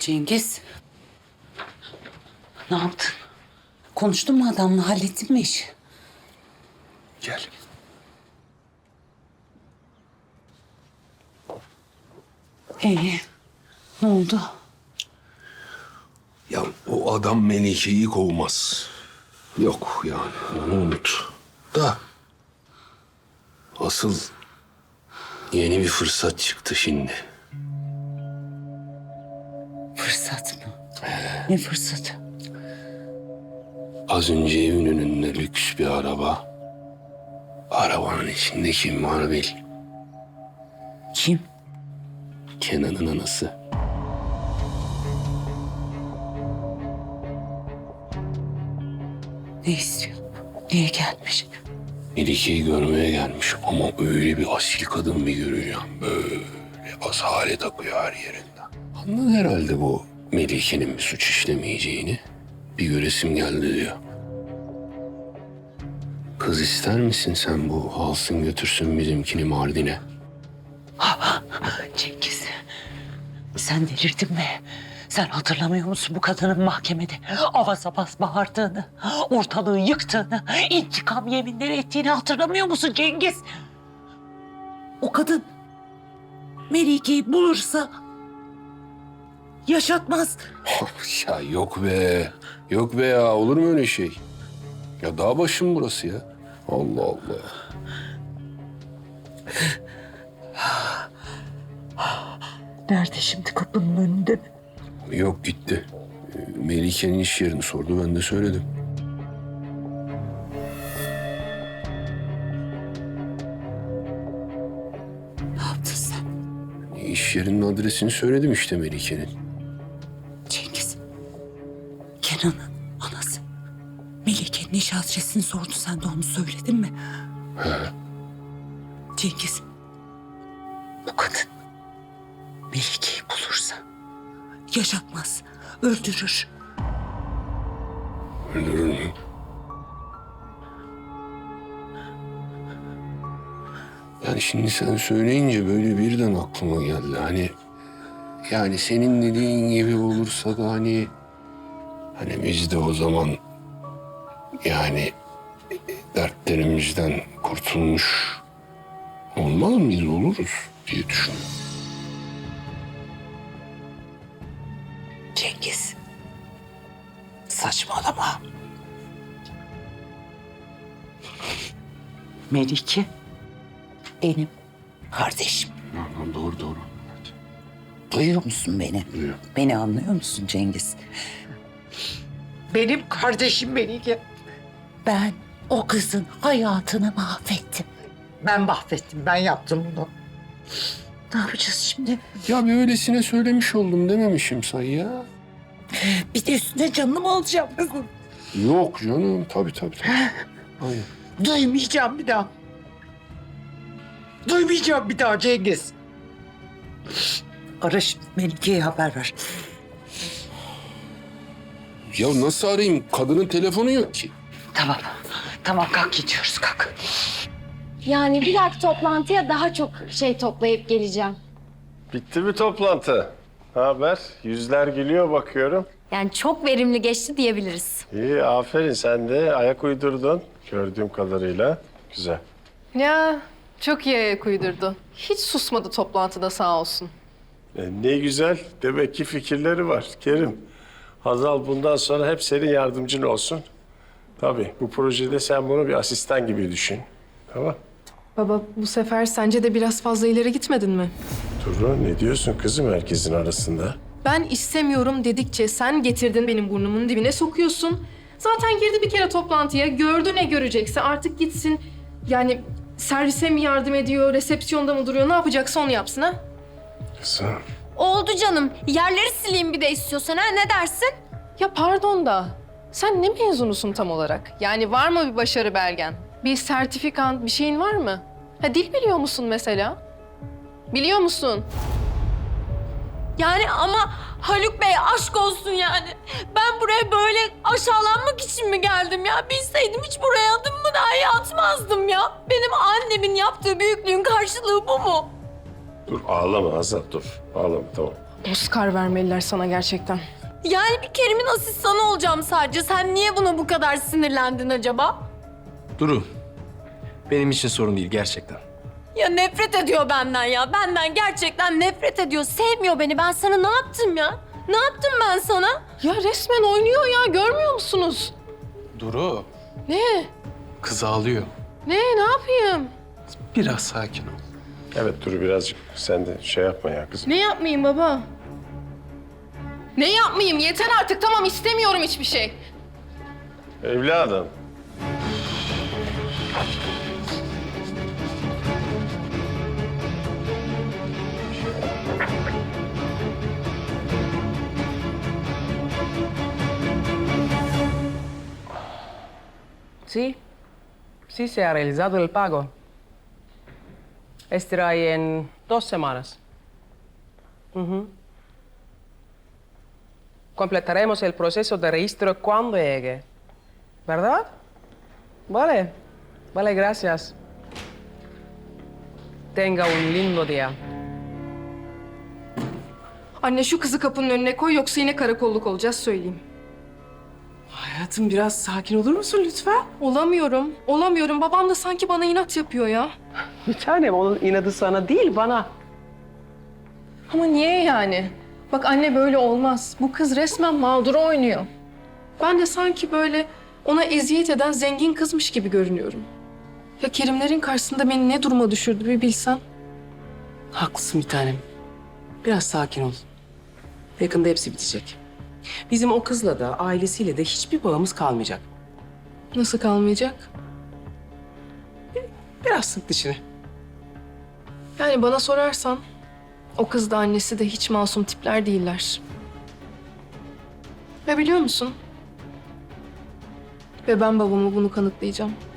Cengiz. Ne yaptın? Konuştun mu adamla? Hallettin mi işi? Gel. İyi. Ne oldu? Ya o adam Melike'yi kovmaz. Yok yani onu unut. Da asıl yeni bir fırsat çıktı şimdi. Fırsat mı? Ne fırsatı? Az önce evin önünde lüks bir araba. Arabanın içinde kim var bil. Kim? Kenan'ın anası. Ne istiyor? Niye gelmiş? Melike'yi görmeye gelmiş ama öyle bir asil kadın bir göreceğim. Böyle asalet akıyor her yerinden. Anladı herhalde bu Melike'nin bir suç işlemeyeceğini. Bir göresim geldi diyor. Kız ister misin sen bu alsın götürsün bizimkini Mardin'e? Cengiz. Sen delirdin mi? Sen hatırlamıyor musun bu kadının mahkemede avaz avaz bağırdığını, ortalığı yıktığını, intikam yeminleri ettiğini hatırlamıyor musun Cengiz? O kadın Melike'yi bulursa yaşatmaz. Ya yok be. Yok be ya. Olur mu öyle şey? Ya dağ başım burası ya. Allah Allah. Nerede şimdi, kapının önünde mi? Yok gitti. Melike'nin iş yerini sordu. Ben de söyledim. Ne yaptın sen? İş yerinin adresini söyledim işte Melike'nin. Cengiz. Kenan'ın anası. Melike'nin iş adresini sordu. Sen de onu söyledin mi? He. Cengiz. Bu kadın Melike'yi bulursa yaşatmaz. Öldürür. Öldürür mü? Yani şimdi sen söyleyince böyle birden aklıma geldi. Hani yani senin dediğin gibi olursa da hani biz de o zaman yani dertlerimizden kurtulmuş olmaz mıyız, oluruz diye düşünüyorum. Cengiz. Saçmalama. Melike benim kardeşim. Doğru doğru. Duyuyor musun beni? Duyuyorum. Beni anlıyor musun Cengiz? Benim kardeşim Melike. Ben o kızın hayatını mahvettim. Ben mahvettim, ben yaptım bunu. Ne yapacağız şimdi? Ya bir öylesine söylemiş oldum dememişim say ya. Bir de üstüne canını mı alacağım kızım? Yok canım tabii. Aynen. Duymayacağım bir daha. Duymayacağım bir daha Cengiz. Ara şimdi Melike'ye haber ver. Ya nasıl arayayım? Kadının telefonu yok ki. Tamam. Tamam kalk gidiyoruz kalk. Yani bir dahaki toplantıya daha çok şey toplayıp geleceğim. Bitti mi toplantı? Ne haber? Yüzler gülüyor bakıyorum. Yani çok verimli geçti diyebiliriz. İyi, aferin. Sen de ayak uydurdun gördüğüm kadarıyla. Güzel. Ya çok iyi ayak uydurdu. Hiç susmadı toplantıda sağ olsun. Ne güzel. Demek ki fikirleri var Kerim. Hazal bundan sonra hep senin yardımcın olsun. Tabii bu projede sen bunu bir asistan gibi düşün. Tamam. Baba bu sefer sence de biraz fazla ileri gitmedin mi? Duru ne diyorsun kızım herkesin arasında? Ben istemiyorum dedikçe sen getirdin benim burnumun dibine sokuyorsun. Zaten girdi bir kere toplantıya, gördü ne görecekse artık gitsin. Yani servise mi yardım ediyor, resepsiyonda mı duruyor, ne yapacaksa onu yapsın ha? Kızım. Oldu canım. Yerleri sileyim bir de istiyorsan ha, ne dersin? Ya pardon da sen ne mezunusun tam olarak? Yani var mı bir başarı belgen? Bir sertifikan, bir şeyin var mı? Ha dil biliyor musun mesela? Biliyor musun? Yani ama Haluk Bey aşk olsun yani. Ben buraya böyle aşağılanmak için mi geldim ya? Bilseydim hiç buraya adımımı dahi atmazdım ya. Benim annemin yaptığı büyüklüğün karşılığı bu mu? Dur ağlama Hazal dur. Ağlama tamam. Oscar vermeliler sana gerçekten. Yani bir Kerim'in asistanı olacağım sadece. Sen niye buna bu kadar sinirlendin acaba? Duru, benim için sorun değil gerçekten. Ya nefret ediyor benden ya. Benden gerçekten nefret ediyor. Sevmiyor beni. Ben sana ne yaptım ya? Ne yaptım ben sana? Ya resmen oynuyor ya, görmüyor musunuz? Duru, Ne? kız ağlıyor. Ne yapayım? Biraz sakin ol. Evet dur birazcık sen de şey yapma ya kızım. Ne yapmayayım baba? Ne yapmayayım? Yeter artık, tamam, istemiyorum hiçbir şey. Evladım. Sí, sí se ha realizado el pago. Estará ahí en 2 semanas. Ujú. Completaremos el proceso de registro cuando llegue. ¿Verdad? Vale. Vale, gracias. Tenga un lindo día. Anne şu kızı kapının önüne koy, yoksa yine karakolluk olacağız, söyleyeyim. Hayatım biraz sakin olur musun lütfen? Olamıyorum. Babam da sanki bana inat yapıyor ya. Bir tanem onun inadı sana değil bana. Ama niye yani? Bak anne, böyle olmaz. Bu kız resmen mağdur oynuyor. Ben de sanki böyle ona eziyet eden zengin kızmış gibi görünüyorum. Ya Kerimlerin karşısında beni ne duruma düşürdü bir bilsen. Haklısın bir tanem. Biraz sakin ol. Yakında hepsi bitecek. Bizim o kızla da ailesiyle de hiçbir bağımız kalmayacak. Nasıl kalmayacak? Biraz sık dişini. Yani bana sorarsan o kız da annesi de hiç masum tipler değiller. Ve biliyor musun? Ve ben babama bunu kanıtlayacağım.